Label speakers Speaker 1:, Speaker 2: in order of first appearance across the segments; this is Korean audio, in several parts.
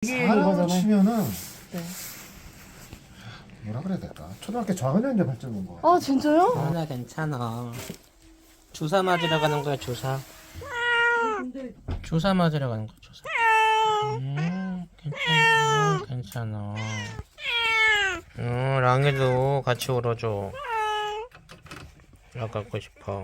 Speaker 1: 애기인
Speaker 2: 사람으로
Speaker 1: 거잖아요.
Speaker 2: 치면은
Speaker 1: 네.
Speaker 2: 뭐라 그래야 될까? 초등학교 저학년인데 발전 온 거야.
Speaker 1: 아 진짜요?
Speaker 3: 하나 괜찮아. 주사 맞으러 가는 거야 주사. 주사 맞으러 가는 거야 주사. 괜찮아 괜찮아. 랑이도 같이 울어줘. 나가고 싶어.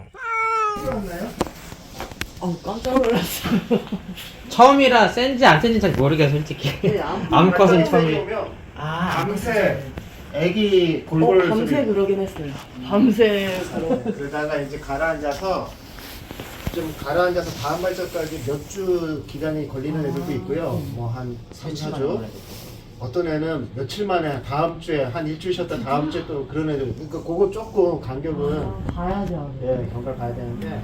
Speaker 1: 깜짝 놀랐어요.
Speaker 3: 처음이라 센지 안 센지 잘 모르겠어 솔직히. 암컷은 처음이.
Speaker 2: 밤새 애기 골골
Speaker 1: 밤새
Speaker 2: 소리.
Speaker 1: 그러긴 했어요. 밤새
Speaker 2: 그러다가 이제 가라앉아서 다음 발작까지 몇 주 기간이 걸리는 애들도 있고요. 뭐 한 3, 4주. 어떤 애는 며칠 만에 다음 주에 한 일주일 쉬었다 다음 주에 또 그런 애들. 그러니까 그거 조금 간격은
Speaker 1: 봐야죠.
Speaker 2: 예, 경과를 봐야 되는데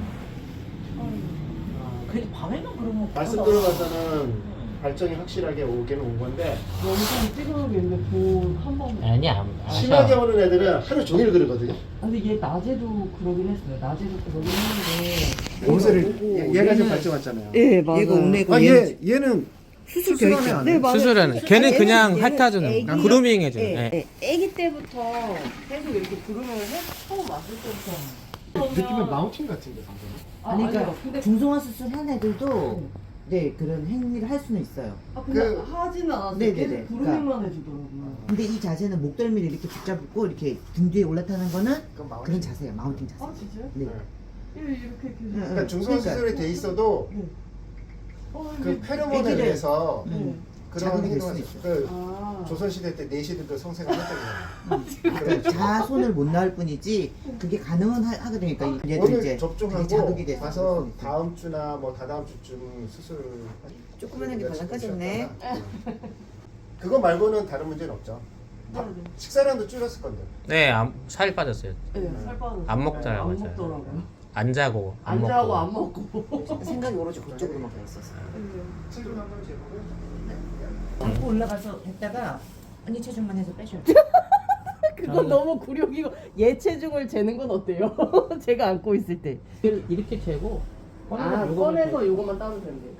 Speaker 1: 그래도 밤에만 그러면
Speaker 2: 말씀 들어봐서는 발정이 확실하게 오기는 온 건데
Speaker 1: 영상 찍어놓겠는데 한 번.
Speaker 3: 아니야.
Speaker 2: 심하게 오는 애들은 하루 종일 그러거든요.
Speaker 1: 근데 얘 낮에도 그러긴 했어요. 낮에도 그러긴 했는데.
Speaker 2: 옷을 얘가 지금 발정 왔잖아요.
Speaker 1: 예 맞아요.
Speaker 4: 얘가 옥내고
Speaker 2: 아,
Speaker 4: 얘는
Speaker 2: 얘는
Speaker 4: 수술
Speaker 2: 수술하네,
Speaker 4: 돼 있죠.
Speaker 2: 안 해?
Speaker 1: 네 맞아요.
Speaker 3: 수술하는. 걔는 그냥
Speaker 4: 얘는
Speaker 3: 핥아주는.
Speaker 4: 애기-
Speaker 3: 그루밍 해주는.
Speaker 4: 예,
Speaker 3: 예.
Speaker 4: 애기 때부터
Speaker 1: 계속 이렇게 부르면 처음 왔을 때부터.
Speaker 2: 느낌은 마운틴 같은데 방금.
Speaker 4: 아니 그러니까
Speaker 1: 근데
Speaker 4: 중성화 수술 한 애들도 네 그런 행위를 할 수는 있어요.
Speaker 1: 근데
Speaker 2: 그-
Speaker 1: 하지는 않았어요.
Speaker 4: 네네네.
Speaker 1: 계속 부르기만 해주더라고요.
Speaker 4: 근데 이 자세는 목덜미를 이렇게 붙잡고 이렇게 등 뒤에 올라타는 거는
Speaker 2: 그건 마운틴.
Speaker 4: 그런 자세예요. 마운팅 자세.
Speaker 1: 아 진짜요?
Speaker 4: 네.
Speaker 1: 이렇게
Speaker 4: 응,
Speaker 2: 그러니까
Speaker 4: 응.
Speaker 2: 중성화
Speaker 4: 그러니까
Speaker 2: 수술이 돼 있어도 그 페로몬에
Speaker 4: 애기를-
Speaker 2: 의해서
Speaker 4: 음.
Speaker 2: 그런
Speaker 4: 자극이 될
Speaker 2: 행동을
Speaker 4: 수도
Speaker 2: 그
Speaker 1: 아.
Speaker 2: 조선시대 때 내시들도 성생을 했던
Speaker 4: 그러니까 자손을 못 낳을 뿐이지 그게 가능은 하거든요. 그러니까
Speaker 2: 거예요.
Speaker 4: 얘들
Speaker 2: 오늘
Speaker 4: 이제
Speaker 2: 접종하고
Speaker 4: 그게 자극이 돼서
Speaker 2: 가서
Speaker 4: 그럴 수 있어요.
Speaker 2: 다음 주나 뭐 다다음 주쯤 수술
Speaker 4: 조그만한 게 발랑까졌네.
Speaker 2: 그거 말고는 다른 문제는 없죠.
Speaker 1: 네네.
Speaker 2: 식사량도 줄였을 건데.
Speaker 3: 네, 살 빠졌어요.
Speaker 1: 네, 살 빠졌어요.
Speaker 3: 안 먹더라고요,
Speaker 1: 안
Speaker 3: 잘.
Speaker 1: 먹더라고요.
Speaker 3: 안 자고 안
Speaker 1: 안
Speaker 3: 먹고.
Speaker 1: 자고 안 먹고.
Speaker 4: 생각이 오로지 그쪽으로만 가 있었어.
Speaker 2: 체중 한번 재보고.
Speaker 4: 안고 올라가서 했다가 언니 체중만 해서 빼줘요.
Speaker 1: 그건 너무 굴욕이고 얘 체중을 재는 건 어때요? 제가 안고 있을 때.
Speaker 3: 이렇게 재고
Speaker 1: 꺼내서 요거만 따면 된대요.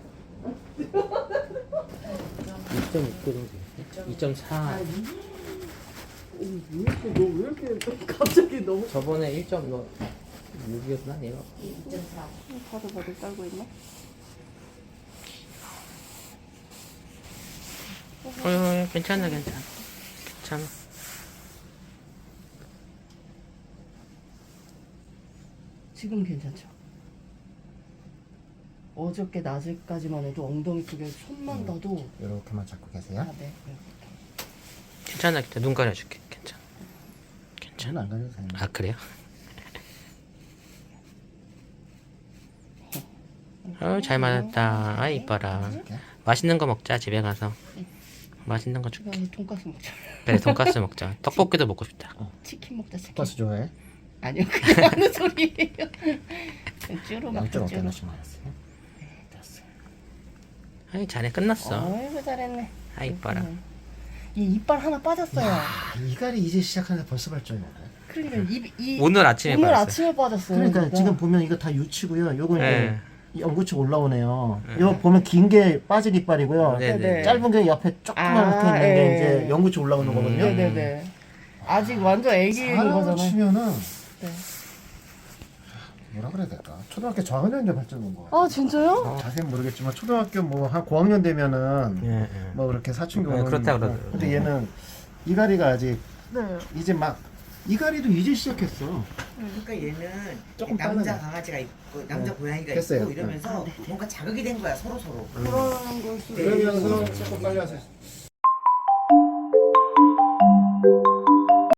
Speaker 3: 2.6kg, 2.4.
Speaker 1: 왜 이렇게 갑자기 너무
Speaker 3: 저번에 1.6이었나 얘가?
Speaker 1: 바들바들 떨고 있나?
Speaker 3: 괜찮아. 괜찮아.
Speaker 1: 지금 괜찮죠? 어저께 낮에까지만 해도 엉덩이 쪽에 손만 놔도
Speaker 2: 이렇게만 잡고 계세요.
Speaker 1: 네.
Speaker 3: 괜찮아. 눈 가려줄게. 괜찮아.
Speaker 2: 저는 안 가려도 돼요.
Speaker 3: 아 그래요? 잘 맞았다. 아 이뻐라. 맛있는 거 먹자 집에 가서. 맛있는 거 줄게.
Speaker 1: 그냥 돈가스 먹자.
Speaker 3: 그래 돈까스 먹자. 떡볶이도 먹고 싶다.
Speaker 1: 치킨 먹자. 치킨.
Speaker 2: 버스 좋아해?
Speaker 1: 아니요 그게 하는 소리예요. 쭈로 먹자.
Speaker 2: 양쪽
Speaker 1: 쭈로.
Speaker 2: 어깨나시 맞았어요. 됐어요.
Speaker 3: 아이 잘해 끝났어.
Speaker 1: 아이고 잘했네.
Speaker 3: 아 이뻐라.
Speaker 1: 얘 이빨 하나 빠졌어요.
Speaker 2: 이갈이 이제 시작하는데 벌써 발전이 오네.
Speaker 1: 그러니까
Speaker 3: 오늘 아침에
Speaker 1: 오늘
Speaker 3: 봤어요.
Speaker 1: 아침에 빠졌어요.
Speaker 2: 그러니까 지금 보면 이거 다 유치고요. 요거
Speaker 3: 네.
Speaker 2: 이제 연구치 올라오네요. 이거 보면 긴 게 빠진 이빨이고요.
Speaker 3: 네네.
Speaker 2: 짧은 게 옆에 조그맣게 있는 게
Speaker 1: 예.
Speaker 2: 이제 연구치 올라오는 거거든요.
Speaker 1: 네네네. 아직 완전 애기인
Speaker 2: 사람으로
Speaker 1: 거잖아요.
Speaker 2: 치면은
Speaker 1: 네.
Speaker 2: 뭐라 그래야 될까? 초등학교 저학년인데 발전 온 거야.
Speaker 1: 아 진짜요?
Speaker 2: 자세히 모르겠지만 초등학교 뭐 한 고학년 되면은
Speaker 3: 예, 예.
Speaker 2: 뭐 그렇게 사춘기
Speaker 3: 네,
Speaker 2: 오는
Speaker 3: 그렇다
Speaker 2: 거.
Speaker 3: 그러더라고요.
Speaker 2: 근데 얘는 이갈이가 아직
Speaker 1: 네.
Speaker 2: 이제 막 이갈이도 이제 시작했어.
Speaker 4: 그러니까 얘는
Speaker 2: 조금
Speaker 4: 남자
Speaker 2: 빠르네.
Speaker 4: 강아지가 있고 남자
Speaker 2: 네.
Speaker 4: 고양이가
Speaker 2: 됐어요.
Speaker 4: 있고 이러면서 뭔가 자극이 된 거야 서로.
Speaker 1: 그러는 걸 수도
Speaker 2: 그러면서 조금 빨리 와서